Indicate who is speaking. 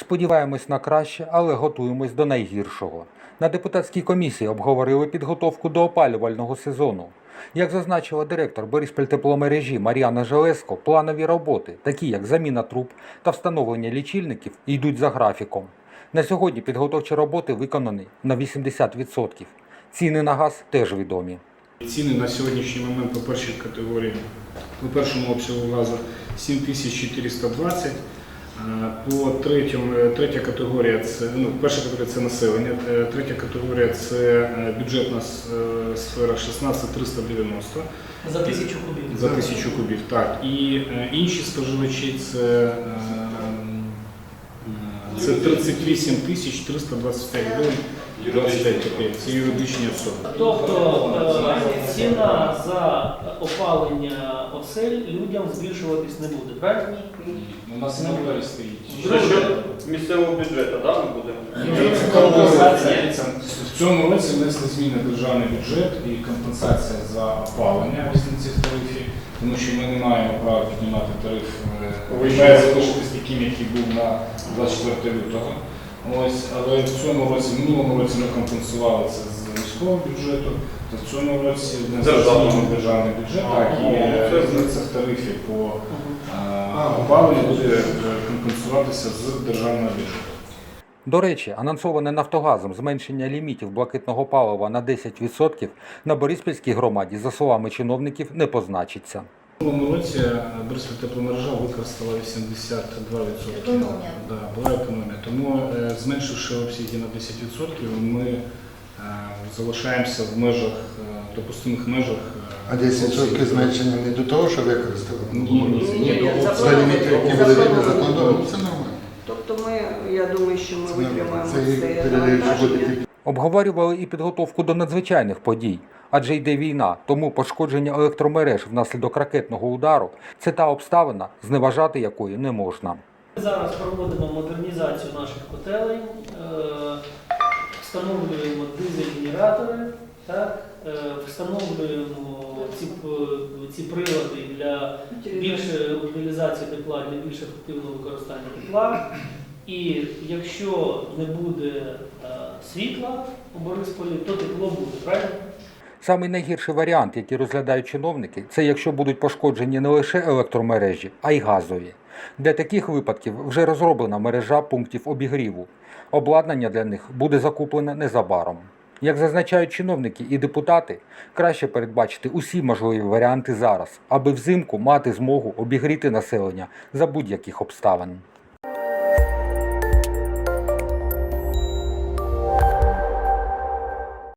Speaker 1: Сподіваємось на краще, але готуємось до найгіршого. На депутатській комісії обговорили підготовку до опалювального сезону. Як зазначила директор Бориспільтепломережі Мар'яна Железко, планові роботи, такі як заміна труб та встановлення лічильників, йдуть за графіком. На сьогодні підготовчі роботи виконані на 80%. Ціни на газ теж відомі.
Speaker 2: Ціни на сьогоднішній момент по першій категорії, по першому обсягу газу 7420, по третя категорія це, перша категорія це населення, третя категорія це бюджетна сфера 16390.
Speaker 3: За 1000 кубів.
Speaker 2: За 1000 кубів, так. І інші споживачі це 38 325 гривень 25 копійок. Це юридичні особи.
Speaker 3: Тобто ціна за опалення осель людям збільшуватись не буде, правильно?
Speaker 2: У нас на виборі стоїть.
Speaker 4: За що місцевого бюджету, так, ми будемо?
Speaker 2: В цьому році внесли зміни в державний бюджет і компенсація за опалення різниці тарифів, тому що ми не маємо права піднімати тариф, він має залишитись таким, який був на 24 лютого. Ось, але в цьому році, в минулому році ми компенсували це з міського бюджету, то в цьому році державний бюджет, так, і різниця в тарифі по опаленню буде компенсуватися з державного бюджету.
Speaker 1: До речі, анонсоване «Нафтогазом» зменшення лімітів блакитного палива на 10% на Бориспільській громаді, за словами чиновників, не позначиться.
Speaker 2: В минулому році Бориспільтепломережа використала 82%. Да, була економія. Тому, зменшивши обсяги на 10%, ми залишаємося в межах, допустимих межах.
Speaker 5: А 10% зменшення не до того, що використали?
Speaker 2: Ні,
Speaker 5: За ліміти, які були законом, це нормально.
Speaker 6: Тобто я думаю, що ми витримаємо це
Speaker 5: навантаження.
Speaker 1: Обговорювали і підготовку до надзвичайних подій, адже йде війна, тому пошкодження електромереж внаслідок ракетного удару – це та обставина, зневажати якої не можна.
Speaker 3: Ми зараз проводимо модернізацію наших котелень, встановлюємо дизель-генератори, встановлюємо ці прилади для більшої утилізації тепла, для більш ефективного використання тепла. І якщо не буде світла у Борисполі, то тепло буде, правильно?
Speaker 1: Самий найгірший варіант, який розглядають чиновники, це якщо будуть пошкоджені не лише електромережі, а й газові. Для таких випадків вже розроблена мережа пунктів обігріву. Обладнання для них буде закуплене незабаром. Як зазначають чиновники і депутати, краще передбачити усі можливі варіанти зараз, аби взимку мати змогу обігріти населення за будь-яких обставин.